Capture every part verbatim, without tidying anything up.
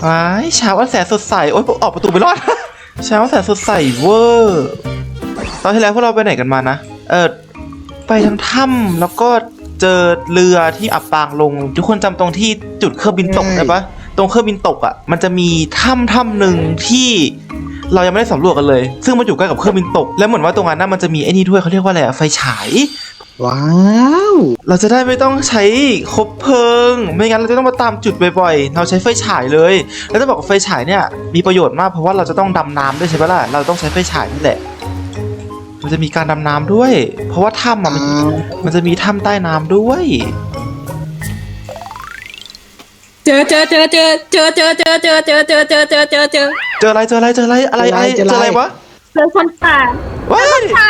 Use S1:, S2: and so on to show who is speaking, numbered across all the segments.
S1: ว้ายเช้าวันแสนสดใสโอ๊ยออกประตูไปรอด เช้าวันแสนสดใสเวอร์ตอนที่แล้วพวกเราไปไหนกันมานะเออไปทางถ้ำแล้วก็เจอเรือที่อับปางลงทุกคนจำตรงที่จุดเครื่องบินตกได้ปะตรงเครื่องบินตกอ่ะมันจะมีถ้ำถ้ำหนึ่งที่เรายังไม่ได้สำรวจกันเลยซึ่งมันอยู่ใกล้กับเครื่องบินตกแล้วเหมือนว่าตรงนั้นน่ะมันจะมีไอ้นี่ด้วยเขาเรียกว่าอะไรอะไฟฉาย
S2: ว้าว
S1: เราจะได้ไม่ต้องใช้คบเพลิงไม่งั้นเราจะต้องมาตามจุดบ่อยๆเราใช้ไฟฉายเลยแล้วจะบอกว่าไฟฉายเนี่ยมีประโยชน์มากเพราะว่าเราจะต้องดำน้ำด้วยใช่ปะล่ะเราต้องใช้ไฟฉายนี่แหละมันจะมีการดำน้ำด้วยเพราะว่าถ้ำมันมันจะมีถ้ำใต้น้ำด้วย
S3: เจอเจอเจอเจอเจอเจอเจอเจอเจอเจอเจอเจอเจอเจอ
S1: เจออะไรเจออะไรเจออะไรอะไรอะไรเจออะไรวะ
S3: เจอคนป่า
S1: ว้าย
S3: ป่า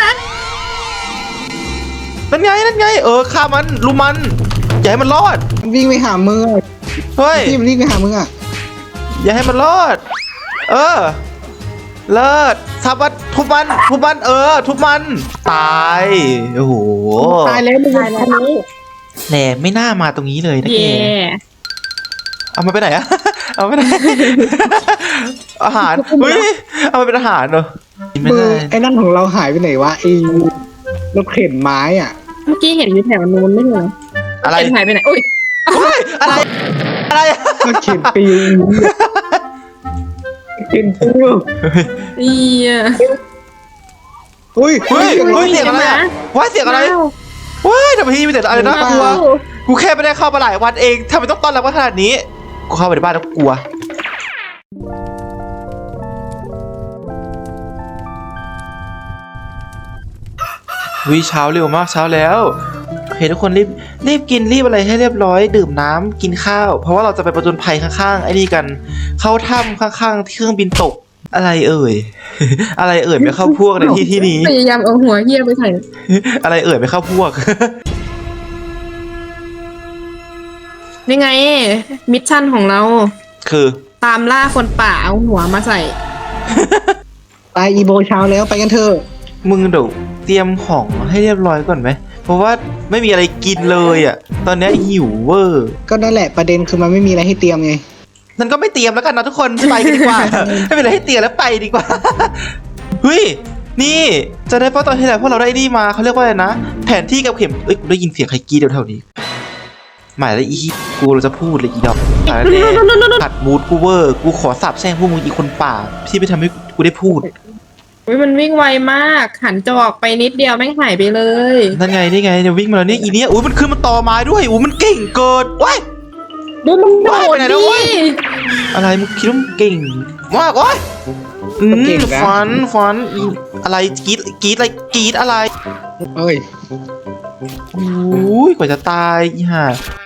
S1: นั่นไงนั่นไงเออฆ่ามันลุมมันอย่าให้มันรอด
S2: มันวิ่งไปหามึงอะ
S1: เฮ้ย
S2: พี่มันวิ่งไปหามึงอ่ะ
S1: อย่าให้มันรอดเออเลิศทับมันทุบมันทุบมันเออทุบมันตายโอ้โห
S2: ตายแล้วมึงตายแล้ว
S1: แหนไม่น่ามาตรงนี้เลยนะแก
S3: เย่
S1: เอามาไปไหนอะ เอาไปไหน อาหารเฮ้ยเอามาเป็นอาหารเหรอไม่
S2: มือ
S1: ได้
S2: ไอ้นั่นของเราหายไปไหนวะไอ้รถเข็นไม้อ่ะ
S3: เมื่อกี้เห็นอยู่แถวนู้นไม่เหรอ
S1: อะไร
S3: เป็นหายไปไหนอุ้ย
S1: เฮ้ยอะไรอะไร
S2: รถเข็นปิวเข็นปิว
S3: เอีย
S2: อุ้ย
S1: เฮ้ยเฮ้ยเสียงอะไรอะว้ายเสียงอะไรว้ายทำไมที่มีแต่อะไรน่ากลัวกูแค่ไม่ได้เข้ามาหลายวันเองทำไมต้องต้อนรับกันขนาดนี้กูเข้าไปในบ้านแล้วกูกลัววิเช้าเร็วมากเช้าแล้วโอเคทุกคนรีบรีบกินรีบอะไรให้เรียบร้อยดื่มน้ำกินข้าวเพราะว่าเราจะไปประจนภัยข้างๆไอ้นี่กันเข้าถ้ำข้างๆที่เครื่องบินตกอะไรเอ่ย อะไรเอ่ยไม่เข้าพวกในที่ที่นี้
S3: พยายามเอาหัวเหี้ยไปใส่
S1: อะไรเอ่ยไม่เข้าพวก
S3: นี่ไง มิชชั่นของเรา
S1: คือ
S3: ตามล่าคนป่าเอาหัวมาใส่
S2: ตายอีโบเช้าแล้วไปกันเถอะ
S1: มึงเดี๋ยวเตรียมของให้เรียบร้อยก่อนไหมเพราะว่าไม่มีอะไรกินเลยอ่ะตอนนี้หิวเวอร์
S2: ก็นั่นแหละประเด็นคือมันไม่มีอะไรให้เตรียมไง
S1: นั่นก็ไม่เตรียมแล้วกันนะทุกคนไปกันดีกว่า ไม่เป็นไรให้เตรียมแล้วไปดีกว่า เฮ้ยนี่จะได้เพราะตอนที่แล้วพวกเราได้นี่มาเขาเรียกว่าอะไรนะแผนที่กับเข็มเอ้ยกูได้ยินเสียงใครกรีดแถวๆนี้หมายแล้วอีกูเราจะพูดเลยอีดอกหมายแล้วเนี่ยขัดมูดกูเวอร์กูขอสาบแช่งพวกมึงอีคนป่าที่ไม่ทำให้กูได้พูด
S3: อุ้ยมันวิ่งไวมากหันจอกไปนิดเดียวแม่งหายไปเลย
S1: นั่นไงนี่ไงเนี่ยวิ่งมาแล้วเนี่ยอีเนี้ยอุ้ยมันขึ้นมาต่อไม้ด้วยอุ้ยมันเก่งเกินว้าย
S3: ดูมันโด
S1: ว้ายไป
S3: ด
S1: ไหน
S3: ดิ
S1: แล้วเว้ยอะไรมึงคิดว่ามึงเก่งมากโอ้ยอืมฟันฟันอีอะไรกรีดกรีดอะไรกรีดอะไร
S2: เอ้ย
S1: อุ้ยกว่าจะตายอีห่า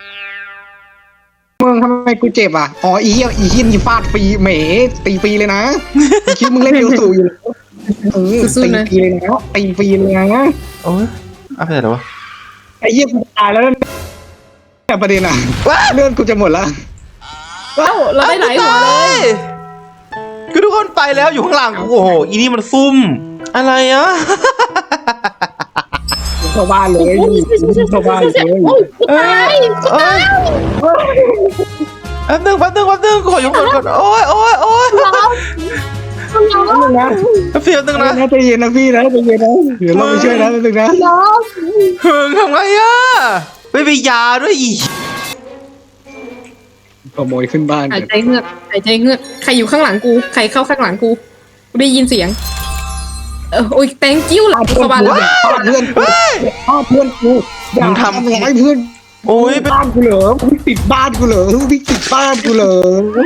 S2: มึงทำไมกูเจ็บอ่ะอ๋ออีเหี้ยอีเหี้ยมีฟาดฟรีเหมตีฟรีเลยนะมึงคิดมึงเล่นเดียวสู่อยู่แล้วเออตีฟรีเลยนะตีฟรีเลยนะ
S1: โอ้ยเอาไปไหนแล้ววะ
S2: ไอ้เหี้ยกูตายแล้วแต่ประเด็นอ่ะเลือดกูจะหมดละ
S3: เอ้าเราได้หลายหัวเลย
S1: คือทุกคนไปแล้วอยู่ข้างหลังกูโอ้โหอีนี่มันซุ่มอะไรอะ
S2: เข้าบ้านเลยเข้าบ้านเลย
S3: โอ้ยตาย
S1: เอ้ยแป๊บนึงแป๊บนึงแป๊บนึงขอยกมือก่อนโอ้ยโอ้ยโอ้ย
S3: ร้องร้อง
S2: นะ
S1: เพียบนึงนะ
S2: นะใจเย็นนะพี่นะใจเย็นนะเดี๋ยวเราไปช่วยนะนึงนะ
S3: ร้อง
S1: เฮิงทำไงอะไม่มียาด้วยอี
S2: ขโมยขึ้นบ้าน
S3: หายใจเงือกหายใจเงือกใครอยู่ข้างหลังกูใครเข้าข้างหลังกูกูได้ยินเสียงเออโอ้ยแตงกิ้วหลังเข้าบ้านแล้ว
S2: พ่อเพื่อนกูพ่อเพื่อนกูอย่าทำร้ายเพื่อน
S1: โอ้ย
S2: บ้านกูเหรอพี่ติดบ้านกูเหรอพี่ติดบ้านกูเหรอ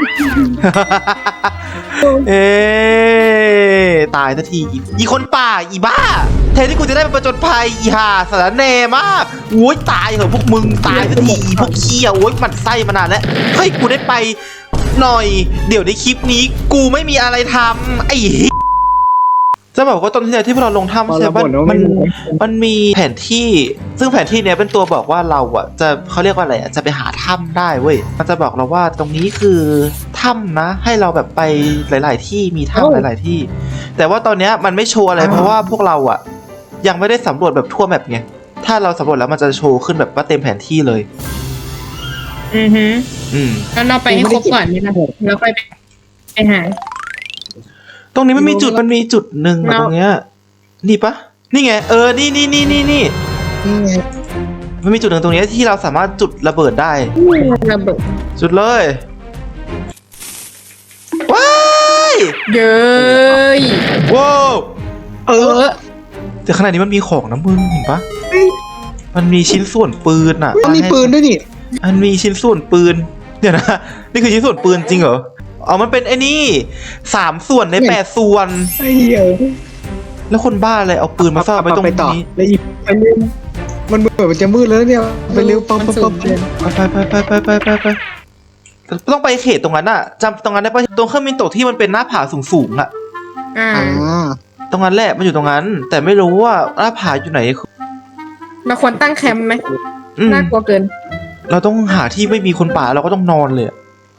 S1: เอ๊ตายทันทีอีคนป่าอีบ้าแทนที่กูจะได้ไปประจนภัยอีห่าสารแหน่มากโอ้ยตายเหอะพวกมึงตายทันทีอีพวกเขี้ยวโอ้ยหมันไส้มานานแล้วเฮ้ยกูได้ไปหน่อยเดี๋ยวในคลิปนี้กูไม่มีอะไรทำไอ้จะบอกว่าตอนที่ที่พวกเราลงถ้ำใช่ไหมมันมันมีแผนที่ซึ่งแผนที่เนี้ยเป็นตัวบอกว่าเราอ่ะจะเขาเรียกว่าอะไรอ่ะจะไปหาถ้ำได้เว้ยมันจะบอกเราว่าตรงนี้คือถ้ำนะให้เราแบบไปหลาย ๆ ที่มีถ้ำหลาย ๆ ที่ แต่ว่าตอนเนี้ยมันไม่โชว์อะไรเพราะว่าพวกเราอ่ะยังไม่ได้สำรวจแบบทั่วแบบไงถ้าเราสำรวจแล้วมันจะโชว์ขึ้นแบบว่าเต็มแผนที่เลย
S3: อือฮึ
S1: อืม
S3: แล้วเราไปให้ครบก่อนนี่นะแล้วไปไปหา
S1: ตรงนี้มันมีจุดมันมีจุดหนึ่งอะ
S3: เรา
S1: ตรงเนี้ยนี่ปะนี่ไงเออนี่นี่นี่นี่นี่
S2: นี่ไง
S1: มันมีจุดหนึ่งตรงนี้ที่เราสามารถจุดระเบิดได้
S3: ระเบิด
S1: จุดเลยว้าย
S3: เย้ย
S1: ว้าว
S2: เอ
S3: เอ
S2: อ
S3: อ
S1: แต่ขนาดนี้มันมีของนะมึงเห็นปะมันมีชิ้นส่วนปืนอ่ะ
S2: มันมีปืนด้วยนี่
S1: มันมีชิ้นส่วนปืนเดี๋ยวนะนี่คือชิ้นส่วนปืนจริงเหรออ๋อมันเป็นไอ้นี่สามส่วนในแปดส่วน
S2: ไอ้เหี้ย
S1: แล้วคนบ้าอะไรเอาปืนมาซ่อนไว้ตรง
S2: ไปต่อ
S1: นี้
S2: แล้วอีกอันนึงมันเบื่อมันจะมืดแล้วเนี่ยไปเร็วปั๊บ
S3: มัน
S2: ปั๊บ
S3: สู
S2: ปั๊
S3: ง
S2: บ
S3: เกิน
S1: ไปไปไปไปไปไปไปต้องไปเขตตรงนั้นอะจำตรงนั้นได้ปะตรงเครื่องบินตกที่มันเป็นหน้าผาสูงๆอะ
S3: อ่า
S2: อ่า
S1: ตรงนั้นแหละมันอยู่ตรงนั้น แต่ไม่รู้ว่าหน้าผาอยู่ไหน
S3: เราควรตั้งแคมป์ไหม
S1: อืม
S3: น่ากลัวเกิน
S1: เราต้องหาที่ไม่มีคนป่าเราก็ต้องนอนเลยอะ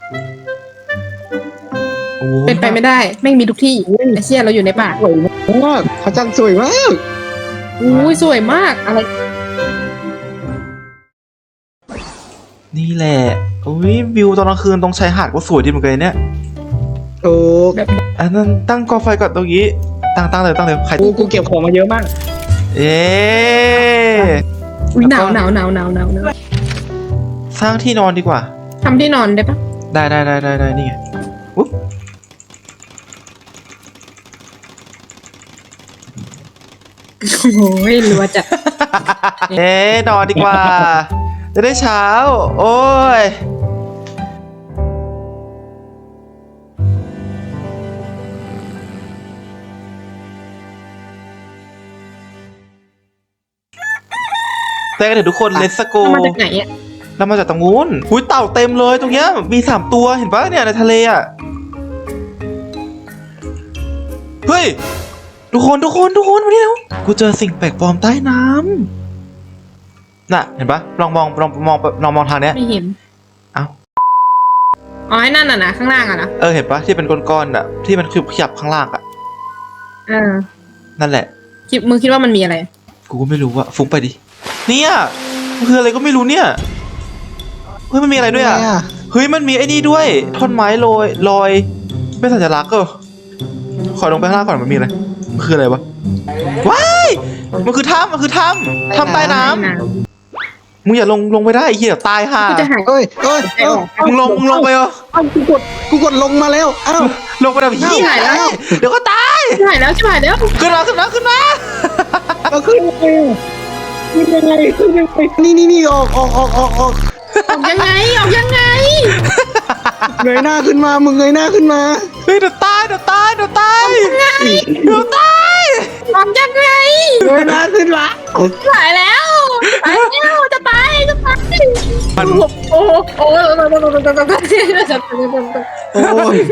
S1: โอ้
S3: เป็นไปไม่ได้แม่งมีทุกที่ไอ้เชี่ยเราอยู่ในป่า
S2: สวยมากพระจันทร์สวยมาก
S3: อุ้ยสวยมากอะไร
S1: นี่แหละอุ้ยวิวตอนกลางคืนตรงชายหาดก็สวยดีเหมือนกันเนี่ย
S2: ถูก
S3: แบบ
S1: อันนั้นตั้งกองไฟก่อนตรงนี้ตั้งตั้งเลยตั้งเลยใคร
S2: กูกูเก็บของมาเยอะมาก
S1: เอ๊ะ
S3: อุ้ยหนาวหนาวหนาวหนาวหนาวหนาว
S1: สร้างที่นอนดีกว่า
S3: ทำที่นอนได้ปะ
S1: ได้ได้ได้ได้ได้นี่ไงอุ๊บ
S3: โอ้ยรัวจัด
S1: เอ๊ะนอนดีกว่า จะได้เช้า โอ้ยแต่กันเถอะทุกคน let's go
S3: เรามาจากไหนอ่ะ
S1: เรามาจากตรงนู้นอุ้ยเต่าเต็มเลยตรงเนี้ยมีสามตัวเห็นปะเนี่ยในทะเลอ่ะ เฮ้ย ทุกคนทุกคนทุกคนมานี่แล้วกูเจอสิ่งแปลกปลอมใต้น้ำน่ะเห็นปะลองมองลองมองลองมองทางเนี้ย
S3: ไม่เห็น
S1: เอ้า
S3: อ๋อไอ้นั่นน่ะนะข้างล่างอ่ะนะ
S1: เออเห็นปะที่เป็นก้อนๆอ่ะที่มันขยับข้างล่างอ่ะ
S3: อ่า
S1: นั่นแหละ
S3: คิดมึงคิดว่ามันมีอะไร
S1: กูก็ไม่รู้อะฟุ้งไปดิเนี่ยมันคืออะไรก็ไม่รู้เนี่ยเฮ้ยมันมีอะไรด้วยอะ
S2: ทำไมอะ
S1: เฮ้ยมันมีไอ้นี่ด้วยท่อนไม้ลอยลอยเป็นสัญลักษณ์เหรอขอลงไปข้างล่างก่อนมันมีอะไรมันคืออะไรวะว้ายมันคือถ้ำมันคือถ้ำถ้ำใต้น้ำมึงอย่าลงลงไปได้ไอ้เหี้ยเดี๋ยวตายห่า
S3: กูจะหาย
S2: เอ้ยเอ้ยเอ้ย
S1: มึงลงมึงลงไปเหรอ
S2: เอ้ากูกดกูกดลงมาแล้วอ้าว
S1: ลงไปแบบเหี้ย
S3: หายแล้ว
S1: เดี๋ยวก็ตาย
S3: ชิบหายแล้วชิบหายแล้ว
S1: ขึ้นมาขึ้นมาขึ้นมา
S2: เราขึ้นยังไงขึ้นยังไงขึ้นยังไงนี่นี่นี่ออกออกออกออกออก
S3: ออกยังไงออกยังไง
S2: เงยหน้าขึ้นมามึงเงยหน้าขึ้นมา
S1: เฮ้ยเดี๋ยวตายเดี๋ยวตายเดี๋ยวตายเดี๋ยวตาย
S3: ออกยังไง
S2: เงยหน้าขึ้นมา
S3: ชิบหายแล้วตายแล้วจะตายจะตาย
S1: มัน
S3: โอ้โหโอ้โห
S2: โอ้ย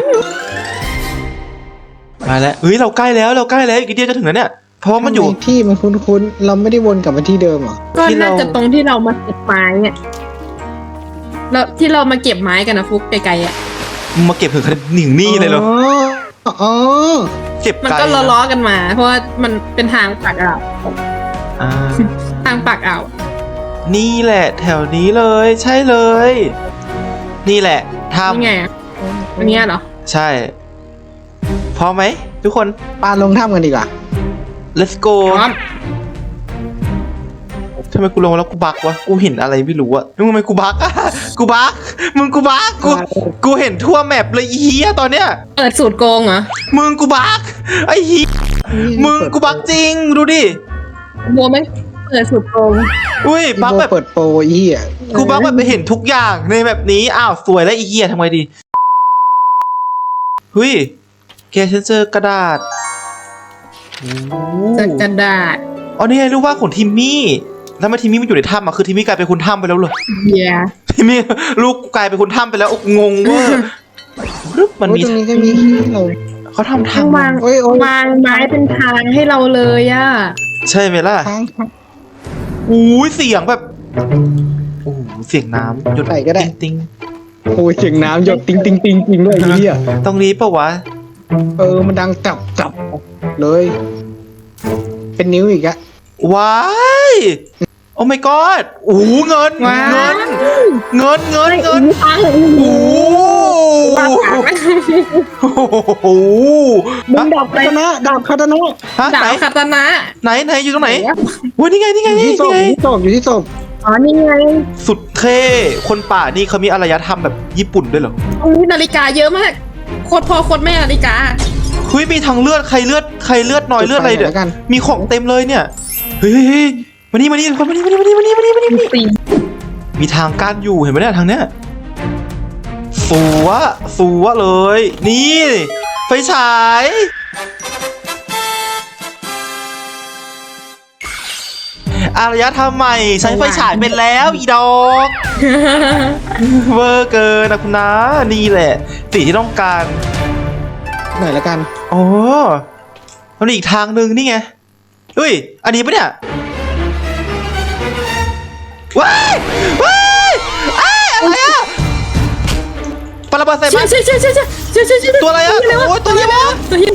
S1: มาแล้วเฮ้ยเราใกล้แล้วเราใกล้แล้วอีกนิดเดียวจะถึงแล้วเนี่ยเพราะว่ามันอยู่
S2: ทำไที่มันคุ้นๆเราไม่ได้วนกลับมาที่เดิมเหรอ
S3: ก็น่าจะตรงที่เรามาเก็บไม้เนี่ยเราที่เรามาเก็บไม้กันนะฟุกไกลๆอ่ะ
S1: มึงมาเก็บถึงขนาดหนิงนี่เลยเหรอ
S2: อ๋ออ๋อ
S1: เก็บ
S3: มัน
S1: ไกล
S3: ก็ล้อๆกันมา เพราะว่ามันเป็นทางปากอ่าว
S1: อ่า
S3: ทางปากอ่าว
S1: นี่แหละแถวนี้เลย ใช่เลย นี่แหละท
S3: นี่ไงอะอันเนี้ยเหรอ
S1: ำใช่พร้อมไหมทุกคน
S2: ปาลงถ้ำกันดีกว่า
S1: let's go
S3: พร้อม
S1: ทำไมกูลงแล้วกูบักวะกูเห็นอะไรไม่รู้อะมึงทำไมกูบักอะกูบักมึงกูบักกูกูเห็นทั่วแมปเลยอีเหี้ยตอนเนี้ย
S3: เปิดสูตรโกงเหรอ
S1: มึงกูบักไอ้เหี้ยมึงกูบักจริงดูดิ
S3: บัวไม่เปิดสูตรโกง
S1: อุ้ย
S2: พี่
S1: บัก
S2: โบ
S1: แบบ
S2: เปิดโปรอีเหี้ย
S1: กูบักแบบไปเห็นทุกอย่างในแบบนี้อ้าวสวยแล้วอีเหี้ยทำไงดีเฮ้ยแกฉันเจอกระดาษโอ้
S3: จากกระดาษ
S1: อ๋อนี่ไงรู้ว่าของทิมมี่แล้วมาทิมมี่มันอยู่ในถ้ำอ่ะคือทิมมี่กลายเป็นคนถ้ำไปแล้วเหรอ
S3: เบีย
S1: ทิมมี่ลูกกลายเป็นคนถ้ำไปแล้วงงเว่ารึบมัน
S2: โอ้ย
S1: มี
S2: ตรงนี้ก็มีที่เรา
S1: เขาทำ
S3: ข้าง
S1: ทำ
S3: วาง
S2: โอ้ยโอ้ยว
S3: างไม้เป็นทางให้เราเลยอ่ะ
S1: ใช่ไหมล่ะ
S2: ทางทาง
S1: อู้ยเสียงแบบโอ้โหเสียงน้ำหยด
S2: ไหนก็ได้
S1: ติ๊ง
S2: โอ้ยเสียงน้ำหยดติงติงติงติงด้วยไอ้เหี้ย
S1: ๆตรงนี้ปะวะ
S2: เออมันดังจับจับเลย เป็นนิ้วอีกอะ
S1: ว้ายโอ้ my god โอ้โหเงิน
S3: ว้าว
S1: เงินเงินเงินเงิน
S3: ตังค์
S1: โอ้
S3: ว้าว
S1: โห
S2: มึงดาบคาตนะดาบคาตนะ
S1: ฮะ
S3: ดา
S1: ไหน
S3: วคาตานะ
S1: ไหนไหนอยู่ตรงไหนโอ้ยนี่ไงนี่ไง
S2: อยู่
S1: นี่
S2: ที่ศพ
S1: ไง
S2: อยู่ที่ศพอยู่ที่ศพ
S3: อ๋อนี่ไง
S1: สุดเท่คนป่านี่เขามีอารยธรรมแบบญี่ปุ่นด้วยเหรอ
S3: โอ้ยนาฬิกาเยอะมากโคตรพ่อโคตรแม่นาฬิกา
S1: เฮ้ยมีทางเลือดใครเลือดใครเลือดน้อยเลือดอะไรเดี๋ยวมีของเต็มเลยเนี่ยเฮ้ยเฮ้ยเฮ้ยมานี่มานี่คนมานี่มานี่มานี่มานี่มานี่มานี่มานี่
S3: ปี
S1: มีทางกั้นอยู่เห็นไหมเนี่ยทางเนี้ยสัวสัวเลย นี่ไฟฉายอารยธรรมใหม่ใช้ไฟฉายเป็นแล้วอีดอกเวอร์เกินนะคุณนะนี่แหละสิ่งที่ต้องการ
S2: ไหนละกัน
S1: อ๋อมันมีอีกทางหนึ่งนี่ไงเฮ้ยอันนี้ปะเนี่ยว้ายว้ายอ้ายอะไรอะปราบาไซ
S3: ใช่
S1: บัส
S3: ใช่ใช่ใช่ใช่ใช่ใช่ใช่
S1: ตัวอะไรอะโอ้ยตัวอะไรวะ
S3: ตัวเหี้ย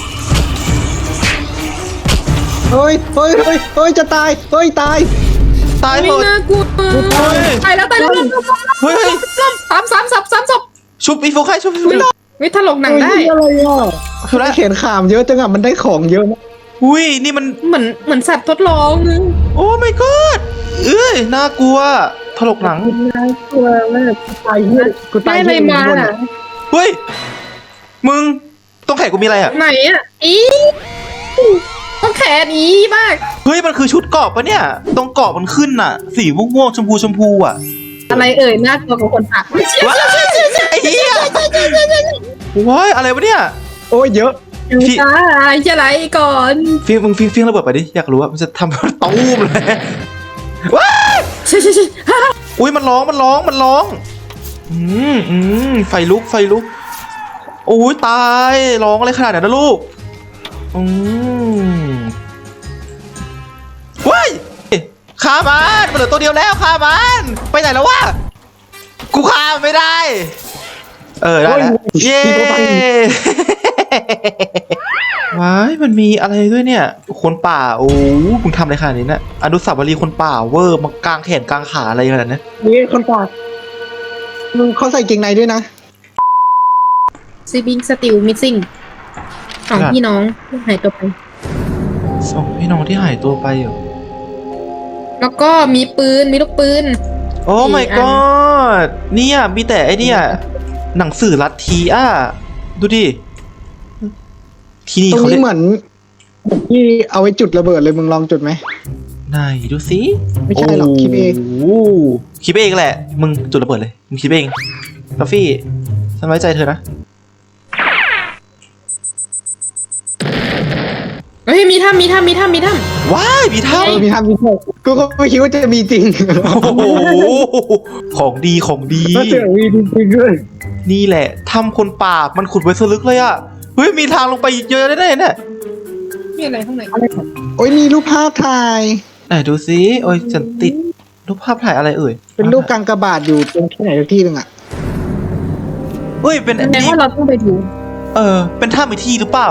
S2: เฮ้ยเฮ้ยเฮ้ยเฮ้ยจะตายเฮ้ยตาย
S1: ตายหม
S3: ไม่
S1: ด
S3: น่ากลัว
S1: เฮ้ย
S3: ตายแล้วตายแล้ว
S1: เฮ้ย
S3: สามสามสามสามศพ
S1: ชุบอีโฟใครชุบอีโฟ
S3: วิถลกหนังได้
S2: เฮ้ยอะไรอ่ะ
S1: ชุบแล้ว
S2: เขียนขามเยอะจังอ่ะมันได้ของเยอะมาก
S1: อุ้ยนี่มัน
S3: เหมือนเหมือนสัตว์ทดลองนึง
S1: โอ้ my god เอ้ยน่ากลัวถลกหนัง
S2: น่ากลัวมากกูตายเยอะกูตา
S3: ได้
S2: ย
S3: อะไร
S2: เยอะ
S3: มา
S2: บนอะ
S1: เฮ้ยมึงต้องแขนกูมีอะไรอะ
S3: ไหนอ่ะอีต้องแขนอีมาก
S1: เฮ้ยมันคือชุดเกราะปะเนี่ยตรงเกราะมันขึ้นอะสีม่วงๆชมพูชมพูอะ
S3: อะไรเอ่ยน่ากลัวกว่าคนตัก
S1: ว้ายไอ้เหี้ยว้ายอะไรวะเนี่ย
S2: โอ้ยเยอะ
S1: พี่
S3: ตายจะไหลก่อน
S1: ฟิงมึงฟิงฟิงระเบิดไปดิอยากรู้ว่ามันจะทำตู้มเลยว้าย
S3: ใช่ใช่ใช่
S1: อุ้ยมันร้องมันร้องมันร้องอืมอืมไฟลุกไฟลุกโอ้ยตายร้องอะไรขนาดนั้นนะลูกอืมว้ายฆ่ามันมันเหลือตัวเดียวแล้วฆ่ามันไปไหนแล้ววะกูฆ่ามันไม่ได้ เออได้แล้วเย้ว้ายมันมีอะไรด้วยเนี่ย คนป่าโอ้มึงทำอะไรขนาดนี้เนี่ยอนุสาวรีย์คนป่าเวอร์มากลางแขนกลางขาอะไรขนาดนั้น
S2: นี่คนปากมึงเขาใส่เกงในด้วยนะ
S3: ซีบิงสติลมิสซิ่งสองพี่น้องหายตัวไป
S1: สองพี่น้องที่หายตัวไปเหรอ
S3: แล้วก็มีปืนมีลูกปืน
S1: โอ้ my
S3: สี่อัน
S1: god เนี่ยมีแต่ไอเนี่ยหนังสือลัทธิอ่ะดูดิที่นี่
S2: ตรง
S1: เขา
S2: นี้
S1: เรียก
S2: เหมือนที่เอาไว้จุดระเบิดเลยมึงลองจุดไหม
S1: ไหนดูสิ
S2: ไม่ใช่หรอกคิดเอง
S1: โอ้คิดเองแหละ มึงจุดระเบิดเลยมึงคิดเองกาฟี่ฉันไว้ใจเธอนะ
S3: เฮ้ยมีถ้ำมีถ้ำมีถ้ำมีถ้
S1: ว้ายมี
S2: เอ
S1: ถ้ำ
S2: อมีทำมีโทษกูก็ไม่คิดว่าจะมีจริง
S1: โอ้โหของดีของดี
S2: ถ้าเจอมีจริงๆด้วย
S1: นี่แหละถ้ำคนป่ามันขุดไว้สลึกเลยอ่ะเฮ้ยมีทางลงไปเยอะได้ๆเนี่ย
S3: ำมีอะไรข้างใน
S2: โอ้ยมีรูปภาพถ่าย
S1: ไหนดูสิโอ้ยฉันติดรูปภาพถ่ายอะไรเอ่ย
S2: เป็นรูปกางกบาทอยู่ตรงที่ไหนสักที่หนึงอ่ะ
S1: เฮ้ยเป็นอัน
S3: แต่
S1: นี้
S3: ว่าเราต้องไปดู
S1: เออเป็นถ้ำอีกที่หรือเปล่า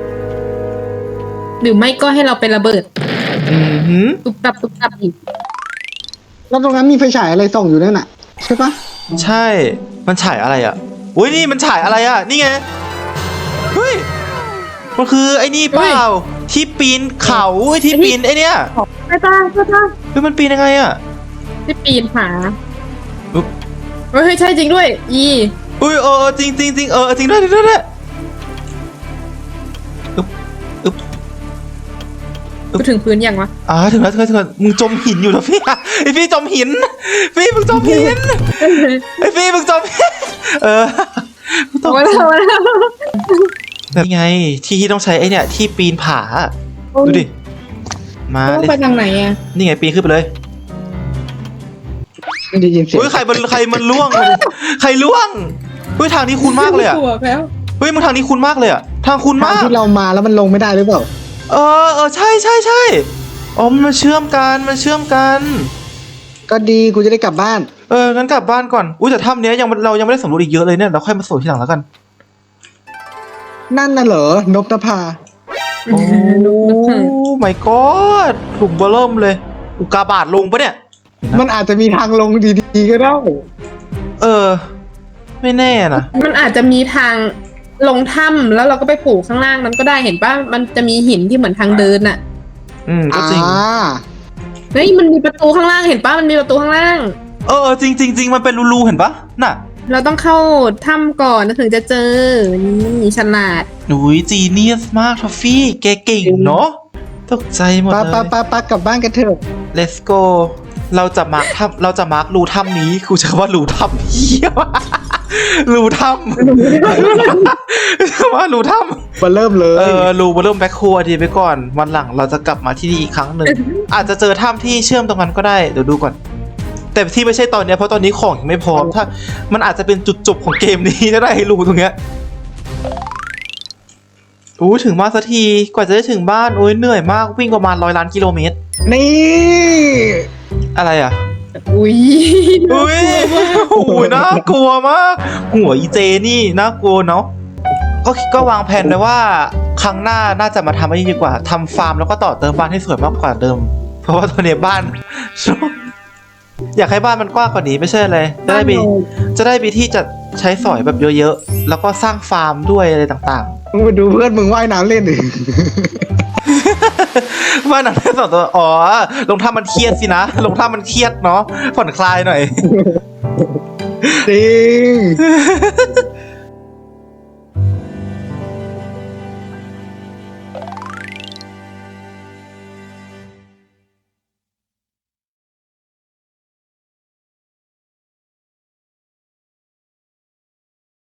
S3: หรือไม่ก็ให้เราไประเบิด
S1: อือหือ
S3: ตุบตับตุบตับอีก
S2: แล้วตรงนั้นมีไฟฉายอะไรส่องอยู่นั่นน่ะใช่ปะ
S1: ใช่มันฉายอะไรอ่ะอุ้ยนี่มันฉายอะไรอ่ะนี่ไงเฮ้ยมันคือไอ้นี่เปล่าที่ปีนเขาไอ้ที่ปีนไอ้เนี่ย
S3: ไปตาไปตา
S1: เฮ้ยมันปีนยังไงอ่ะ
S3: ที่ปีนผา
S1: อุ๊บ
S3: เฮ้ยใช่จริงด้วย อี
S1: อุ้ยเออจริงจริงจริงเออจริงด้วยจริงด้วย
S3: กูถึงพื้นยังวะ
S1: อ่าถึงแล้วถึงแล้วถึงแล้วมึงจมหินอยู่แล้วพี่อะไอพี่จมหินพี่มึงจมหินไอพี่มึงจมหินเออมึงต้อง
S3: มาแล้วมาแล้ว
S1: นี่ไงที่ที่ต้องใช้ไอเนี่ยที่ปีนผาดูดิมา
S3: ต้อง
S1: เลย
S3: ไปทางไหนอ่ะ
S1: นี่ไงปีนขึ้นไปเลย
S2: ไม่ได้ยินเสียง
S1: เฮ้ยใครมันใครมันล่วงใครล่วงเฮ้ยทางนี้คุ้นมากเลยอะ
S3: ตัวแล้ว
S1: เฮ้ยมึงทางนี้คุ้นมากเลยอะทางคุ้น
S2: ทาง
S1: มาก
S2: ที่เรามาแล้วมันลงไม่ได้หรือเปล่า
S1: เออเออใช่ใช่ใช่อ๋อมันเชื่อมกันมันเชื่อมกัน
S2: ก็ดีกูจะได้กลับบ้าน
S1: เอองั้นกลับบ้านก่อนอุ้ยแต่ถ้ำเนี้ยยังเรายังไม่ได้สำรวจอีกเยอะเลยเนี่ยเราค่อยมาสำรวจทีหลังแล้วกัน
S2: นั่นน่ะเหรอนบนภา
S1: โอ้ my god หลุมเบอร์เริ่มเลยอุกกาบาตลงปะเนี่ย
S2: มันอาจจะมีทางลงดีๆก็ได้
S1: เออ ไม่แน่นะ
S3: มันอาจจะมีทางลงถ้ำแล้วเราก็ไปผูกข้างล่างนั้นก็ได้เห็นป่ะมันจะมีหินที่เหมือนทางเดินอะ
S1: อืมก็
S2: อ่า
S1: จริง
S3: เฮ้ยมันมีประตูข้างล่างเห็นป่ะมันมีประตูข้างล่าง
S1: เออจริงจริงจริงมันเป็นรูๆเห็นปะน่ะ
S3: เราต้องเข้าถ้ำก่อนถึงจะเจอนี่ฉลาด
S1: หนุยจีเนียสมากทอฟฟี่แกเก่งเนาะตกใจหมด
S2: ปะ
S1: เล
S2: ปะ
S1: ย
S2: ปะปะกลับบ้านกันเถอะ
S1: let's go เราจะมาร์คถ้ำเราจะมาร์ครูถ้ำนี้กูจะว่ารูถ้ำเหี้ย รูถ้ำ ว่ารูถ้ำ
S2: มาเริ่มเลย
S1: เออรูมาเริ่มแบ็คโคดีไปก่อนวันหลังเราจะกลับมาที่นี่อีกครั้งหนึ่ง อาจจะเจอถ้ำที่เชื่อมตรงนั้นก็ได้เดี๋ยวดูก่อน แต่ที่ไม่ใช่ตอนเนี้ยเพราะตอนนี้ของยังไม่พร้อมถ้ามันอาจจะเป็นจุดจบของเกมนี้ก็ได้รูตรงเนี้ยอู้ถึงบ้านสักทีกว่าจะได้ถึงบ้านโอ้ยเหนื่อยมากวิ่งประมาณร้อยล้านกิโลเมตร
S2: นี่
S1: อะไรอ่ะ
S3: อุ้ย
S1: อุ้ยโอ้ยน่ากลัวมาก หัวอีเจนี่น่ากลัวเนาะก็ก็วางแผนไว้ว่าครั้งหน้าน่าจะมาทำอันนี้ดีกว่าทำฟาร์มแล้วก็ต่อเติมบ้านให้สวยมากกว่าเดิม เพราะว่าตอนนี้บ้าน อยากให้บ้านมันกว้างกว่านี้ไม่ใช่เลยจะได้มีจะได้มีที่จะใช้สอยแบบเยอะๆแล้วก็สร้างฟาร์มด้วยอะไรต่าง
S2: มึงไปดูเพื่อนมึงว่ายน้ำเล่นดิ
S1: ๆ ว่าหนังแค่สองตัวอ๋อลงท่ามันเครียดสินะลงท่ามันเครียดเนาะผ่อนคลายหน่อย
S2: จริง